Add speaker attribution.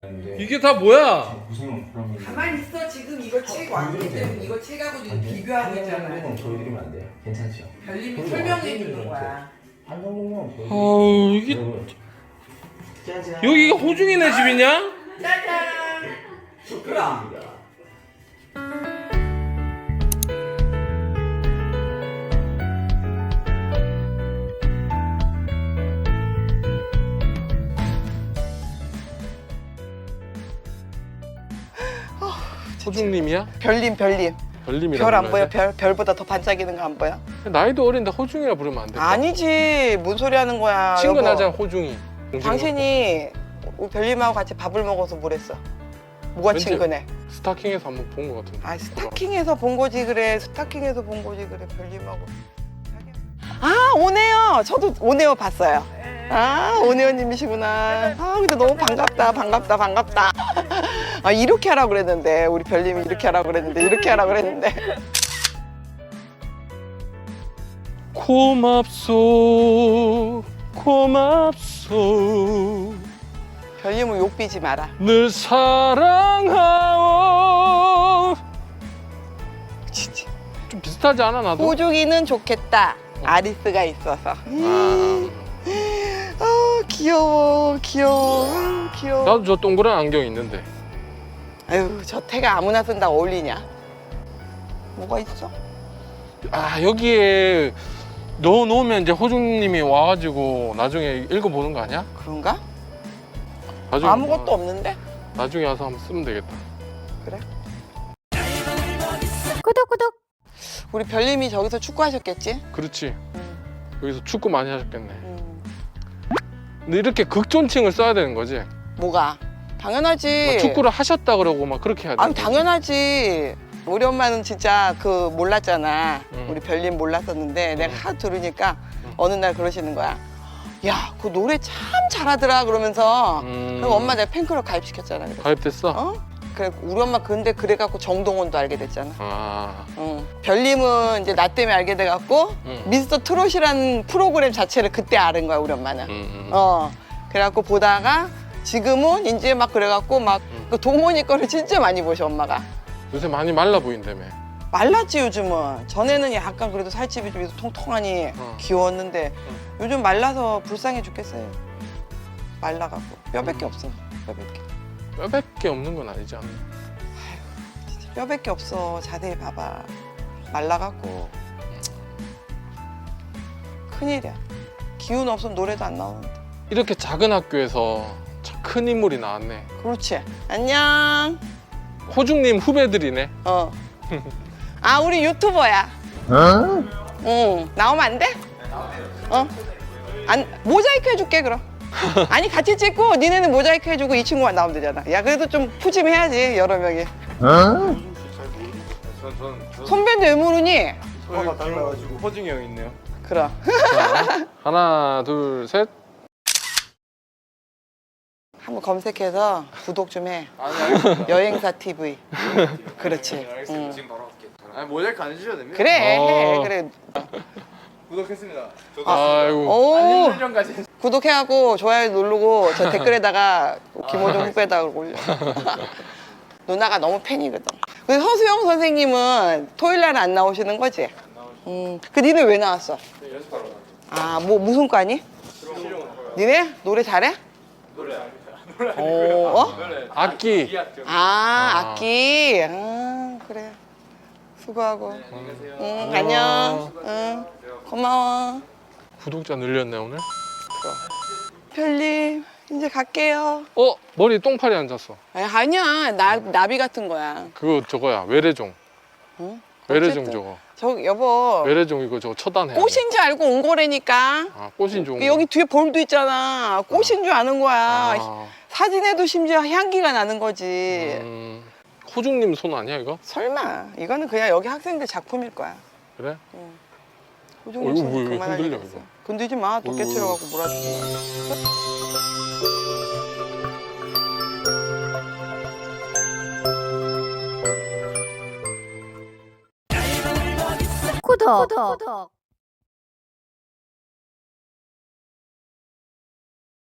Speaker 1: 이게 다 뭐야?
Speaker 2: 무슨 그러면
Speaker 3: 가만히 있어. 지금 이거 책 왔기 때문에 이거 책하고 지금 비교하고 있잖아.
Speaker 2: 보여드리면 안 돼요? 괜찮죠?
Speaker 3: 별님이 설명해 주는 거야.
Speaker 2: 한 정도면 보여드리면
Speaker 1: 아우 이게
Speaker 2: 짜잔.
Speaker 1: 여기가 호중이네 집이냐?
Speaker 3: 짜잔. 그럼.
Speaker 1: 호중님이야?
Speaker 3: 별님.
Speaker 1: 별님이라고
Speaker 3: 별 안 보여?
Speaker 1: 불러야 돼?
Speaker 3: 별보다 더 반짝이는 거 안 보여?
Speaker 1: 나이도 어린데 호중이라 부르면 안 돼?
Speaker 3: 아니지. 뭔 소리 하는 거야.
Speaker 1: 친구
Speaker 3: 여보.
Speaker 1: 나잖아 호중이.
Speaker 3: 당신이 우리 별님하고 같이 밥을 먹어서 뭐랬어? 뭐가
Speaker 1: 왠지
Speaker 3: 친근해?
Speaker 1: 스타킹에서 한번 본 것 같은데.
Speaker 3: 아 스타킹에서 본 거지 그래. 스타킹에서 본 거지 그래. 별님하고. 아 오네요. 저도 오네요 봤어요. 아 오네요님이시구나. 아 근데 너무 반갑다. 아 이렇게 하라고 그랬는데 우리 별님이 이렇게 하라고 그랬는데.
Speaker 1: 고맙소
Speaker 3: 별님은 욕 비지 마라.
Speaker 1: 늘 사랑하오.
Speaker 3: 진짜.
Speaker 1: 좀 비슷하지 않아 나도?
Speaker 3: 호중이는 좋겠다. 아리스가 있어서. 아 귀여워.
Speaker 1: 나도 저 동그란 안경 있는데.
Speaker 3: 아유 저 태가 아무나 쓴다 어울리냐? 뭐가 있어?
Speaker 1: 아 여기에 넣어놓으면 이제 호중님이 와가지고 나중에 읽어보는 거 아니야?
Speaker 3: 그런가?
Speaker 1: 나중에
Speaker 3: 아무것도 없는데?
Speaker 1: 나중에 와서 한번 쓰면 되겠다.
Speaker 3: 그래? 구독. 우리 별님이 저기서 축구하셨겠지?
Speaker 1: 그렇지.
Speaker 3: 응.
Speaker 1: 여기서 축구 많이 하셨겠네.
Speaker 3: 응.
Speaker 1: 근데 이렇게 극존칭을 써야 되는 거지?
Speaker 3: 뭐가? 당연하지.
Speaker 1: 막 축구를 하셨다 그러고 막 그렇게 해야 돼.
Speaker 3: 아유 당연하지. 우리 엄마는 진짜 그 몰랐잖아.
Speaker 1: 응.
Speaker 3: 우리 별님 몰랐었는데 내가
Speaker 1: 응.
Speaker 3: 하도 들으니까
Speaker 1: 응.
Speaker 3: 어느 날 그러시는 거야. 야, 그 노래 참 잘하더라 그러면서. 그리고 엄마 내가 팬클럽 가입시켰잖아. 그래서.
Speaker 1: 가입됐어?
Speaker 3: 어? 그래 우리 엄마 근데 그래갖고 정동원도 알게 됐잖아.
Speaker 1: 아.
Speaker 3: 응. 별님은 이제 나 때문에 알게 돼갖고
Speaker 1: 응.
Speaker 3: 미스터 트롯이라는 프로그램 자체를 그때 아는 거야 우리 엄마는. 그래갖고 보다가 지금은 이제 막 그래갖고 막 그 동원이 거를 진짜 많이 보셔 엄마가.
Speaker 1: 요새 많이 말라 보인다며.
Speaker 3: 말랐지 요즘은. 전에는 약간 그래도 살집이 좀 통통하니 귀여웠는데 요즘 말라서 불쌍해 죽겠어요. 말라갖고 뼈밖에 없어.
Speaker 1: 뼈밖에 없는 건 아니지 않나?
Speaker 3: 진짜 뼈밖에 없어. 자세히 봐봐. 말라갖고 큰일이야. 기운 없으면 노래도 안 나오는데.
Speaker 1: 이렇게 작은 학교에서 참 큰 인물이 나왔네.
Speaker 3: 그렇지. 안녕.
Speaker 1: 호중님 후배들이네.
Speaker 3: 아 우리 유튜버야. 응. 나오면 안 돼? 안 모자이크 해줄게 그럼. 아니 같이 찍고 니네는 모자이크 해주고 이 친구만 나오면 되잖아. 야 그래도 좀 푸짐해야지 여러 명이. 선배인데 왜 모르니?
Speaker 1: 소리가 달라가지고 호중이 형 있네요.
Speaker 3: 그럼.
Speaker 1: 자, 하나 둘 셋.
Speaker 3: 한번 검색해서 구독 좀 해.
Speaker 4: 아니 알겠습니다.
Speaker 3: 여행사 TV. 그렇지. 응.
Speaker 4: 지금 바로 할게요. 아니 모자이크 안 해주셔도 됩니다.
Speaker 3: 그래 해.
Speaker 1: 어.
Speaker 3: 그래.
Speaker 4: 구독했습니다. 저도
Speaker 1: 아이고.
Speaker 3: 오.
Speaker 4: 알림 설정까지.
Speaker 3: 구독해갖고 좋아요 누르고 저 댓글에다가 김호중 후배다 올려. 누나가 너무 팬이거든. 근데 서수영 선생님은 토요일 날은 안 나오시는 거지? 그 니네 왜 나왔어?
Speaker 4: 연습하러 나왔죠.
Speaker 3: 아, 뭐 무슨 과니? 니네 노래 잘해?
Speaker 4: 노래 아닙니다.
Speaker 3: 노래
Speaker 1: 악기.
Speaker 4: 이학교.
Speaker 3: 악기. 아, 그래. 수고하고.
Speaker 4: 안녕히 계세요.
Speaker 3: 응, 안녕. 응, 고마워.
Speaker 1: 구독자 늘렸네 오늘.
Speaker 3: 별님, 이제 갈게요.
Speaker 1: 머리 똥파리 앉았어.
Speaker 3: 아니야, 나비 같은 거야.
Speaker 1: 그거 저거야 외래종.
Speaker 3: 응?
Speaker 1: 외래종
Speaker 3: 어쨌든.
Speaker 1: 저거.
Speaker 3: 저 여보.
Speaker 1: 외래종 이거 저거 처단해.
Speaker 3: 꽃인 줄 알고 온 거라니까.
Speaker 1: 아 꽃인 종.
Speaker 3: 여기 뒤에 볼도 있잖아. 꽃인 줄 아는 거야.
Speaker 1: 아.
Speaker 3: 사진에도 심지어 향기가 나는 거지.
Speaker 1: 호중님 손 아니야 이거?
Speaker 3: 설마. 이거는 그냥 여기 학생들 작품일 거야.
Speaker 1: 그래?
Speaker 3: 호중님
Speaker 1: 이거
Speaker 3: 손
Speaker 1: 왜
Speaker 3: 그만할
Speaker 1: 흔들려,
Speaker 3: 일 없어.
Speaker 1: 이거?
Speaker 3: 건들지 마. 또 깨트려갖고 몰아주지 마.
Speaker 5: 구독.